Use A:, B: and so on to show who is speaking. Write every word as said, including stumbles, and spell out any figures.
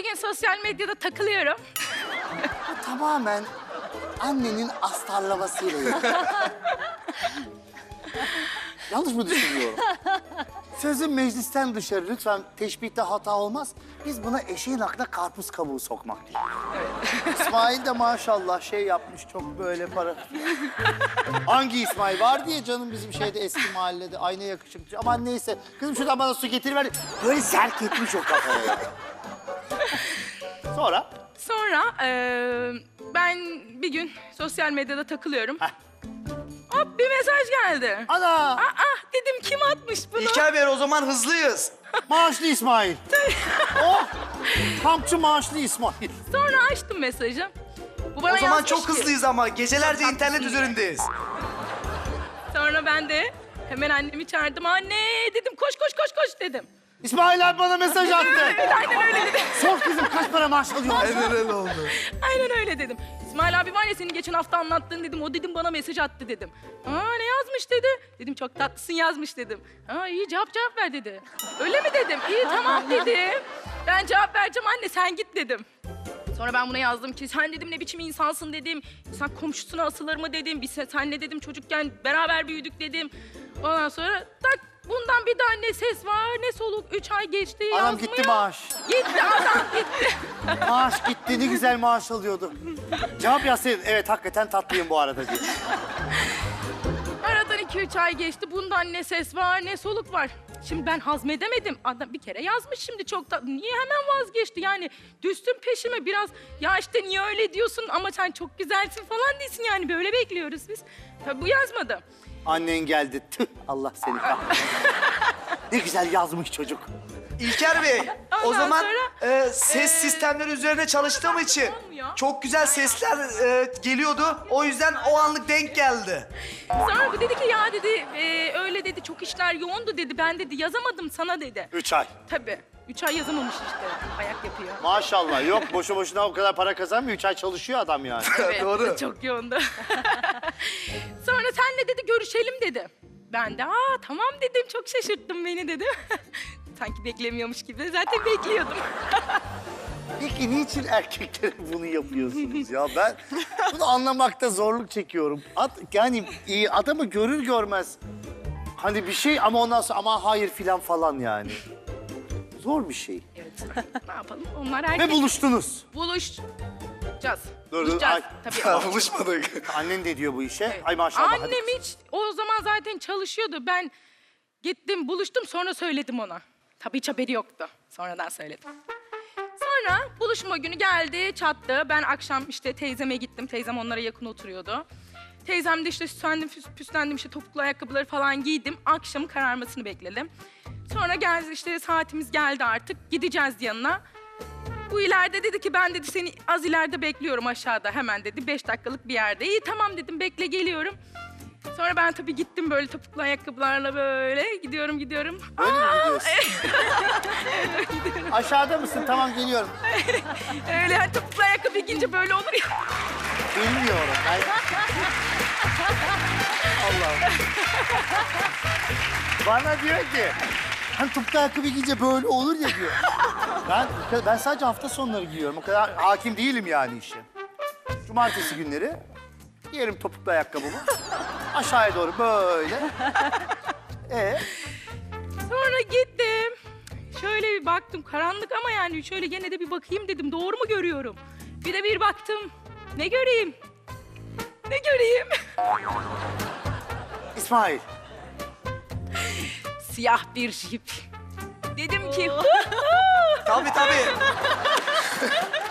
A: gün sosyal medyada takılıyorum.
B: Bu tamamen annenin astarlamasıyla ilgili. Yanlış mı düşünüyorum? Sözün meclisten dışarı. Lütfen teşbihte hata olmaz. Biz buna eşeğin aklına karpuz kabuğu sokmak diyoruz. İsmail de maşallah şey yapmış çok böyle para. Hangi İsmail? Var diye canım bizim şeyde eski mahallede ayna yakışıklı. Aman neyse. Kızım şuradan bana su getiriver. Böyle serk etmiş o kafaya. Sonra?
A: Sonra eee, ben bir gün sosyal medyada takılıyorum.
B: Heh.
A: Hop bir mesaj geldi.
B: Ana!
A: Aa dedim kim atmış bunu?
C: İlker Bey o zaman hızlıyız.
B: Maaşlı İsmail. Oh! Kampçı maaşlı İsmail.
A: Sonra açtım mesajı. Bu bana
C: O zaman
A: yazmış
C: çok
A: ki-
C: hızlıyız ama gecelerce
A: Çok
C: internet
A: haklısın.
C: üzerindeyiz.
A: Sonra ben de hemen annemi çağırdım. Anne dedim koş koş koş koş dedim.
B: İsmail abi bana mesaj attı.
A: Evet aynen öyle dedim.
B: Sor kızım kaç para maaş alıyorsun?
C: Aynen öyle oldu.
A: Aynen öyle dedim. İsmail abi var ya senin geçen hafta anlattığın dedim. O dedim bana mesaj attı dedim. Aa ne yazmış dedi. Dedim çok tatlısın yazmış dedim. Aa iyi cevap cevap ver dedi. Öyle mi dedim. İyi tamam dedim. Ben cevap vereceğim anne sen git dedim. Sonra ben buna yazdım ki sen dedim ne biçim insansın dedim. Sen komşusuna asılır mı dedim. Biz senle dedim çocukken beraber büyüdük dedim. Ondan sonra tak bundan bir daha ne ses var ne soluk. Üç ay geçti
B: Anam
A: yazmıyor.
B: gitti maaş.
A: Gitti adam gitti.
B: Maaş gitti ne güzel maaş alıyordu. Cevap yazsaydın evet hakikaten tatlıyım bu arada diye.
A: Aradan iki üç ay geçti. Bundan ne ses var ne soluk var. Şimdi ben hazmedemedim. Adam bir kere yazmış şimdi çok da... Niye hemen vazgeçti yani? Düştün peşime biraz. Ya işte niye öyle diyorsun ama sen çok güzelsin falan değilsin yani. Böyle bekliyoruz biz. Tabii bu yazmadı.
B: Annen geldi. Tüh Allah seni kahretsin. Ne güzel yazmış çocuk.
C: İlker Bey o
A: Ondan
C: zaman
A: sonra,
C: e, ses sistemleri üzerine çalıştığım için
A: olmuyor.
C: çok güzel sesler e, geliyordu. O yüzden o anlık denk geldi.
A: Sonra bu dedi ki ya dedi e, öyle dedi çok işler yoğundu dedi. Ben dedi yazamadım sana dedi.
B: Üç ay.
A: Tabii. Üç ay yazamamış işte. Ayak yapıyor.
B: Maşallah yok boşu boşuna o kadar para kazanmıyor. Üç ay çalışıyor adam yani.
A: Evet,
C: Doğru.
A: çok yoğundu. Sonra senle dedi görüşelim dedi. Ben de aa tamam dedim çok şaşırttın beni dedim. Sanki beklemiyormuş gibi zaten bekliyordum.
B: Peki niçin erkeklere bunu yapıyorsunuz ya? Ben bunu anlamakta zorluk çekiyorum. At, yani iyi adamı görür görmez hani bir şey ama ondan sonra ama hayır filan falan yani. Zor bir şey.
A: Evet. Ne yapalım? Onlar erkek.
B: Ve buluştunuz.
A: Buluşacağız.
B: Dur, dur,
A: Buluşacağız.
B: ay.
A: Tabii.
C: Buluşmadık.
B: Annen de diyor bu işe.
A: Evet.
B: Ay maşallah. hadi
A: Annem
B: kızım.
A: hiç o zaman zaten çalışıyordu. Ben gittim buluştum sonra söyledim ona. Tabii hiç haberi yoktu. Sonradan söyledim. Sonra buluşma günü geldi çattı. Ben akşam işte teyzeme gittim. Teyzem onlara yakın oturuyordu. Teyzem de işte süslendim püs- püslendim işte topuklu ayakkabıları falan giydim. Akşamın kararmasını bekledim. Sonra geldi işte saatimiz geldi artık. Gideceğiz yanına. Bu ileride dedi ki ben dedi seni az ileride bekliyorum aşağıda hemen dedi. Beş dakikalık bir yerde. İyi tamam dedim bekle geliyorum. Sonra ben tabii gittim böyle topuklu ayakkabılarla böyle gidiyorum gidiyorum.
B: Böyle mi gidiyorsun? Aşağıda mısın? Tamam geliyorum.
A: Öyle yani topuklu ayakkabı giyince böyle olur ya.
B: Bilmiyorum. Ben... Allah'ım. Bana diyor ki, hani topuklu ayakkabı giyince böyle olur ya diyor. Ben, ben sadece hafta sonları giyiyorum. O kadar hakim değilim yani işe. Cumartesi günleri giyerim topuklu ayakkabımı. Aşağıya doğru böyle. Ee,
A: Sonra gittim. Şöyle bir baktım karanlık ama yani şöyle gene de bir bakayım dedim doğru mu görüyorum? Bir de bir baktım. Ne göreyim? Ne göreyim?
B: İsmail.
A: Siyah bir jip. Dedim ki
C: Tabii tabii.